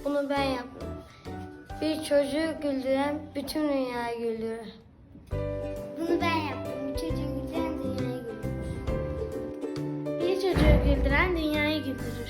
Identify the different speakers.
Speaker 1: Bunu ben yaptım. Bir çocuğu güldüren bütün dünyayı güldürür.
Speaker 2: Bunu ben yaptım. Bir çocuğu güldüren dünyayı güldürür.
Speaker 3: Bir çocuğu güldüren dünyayı güldürür.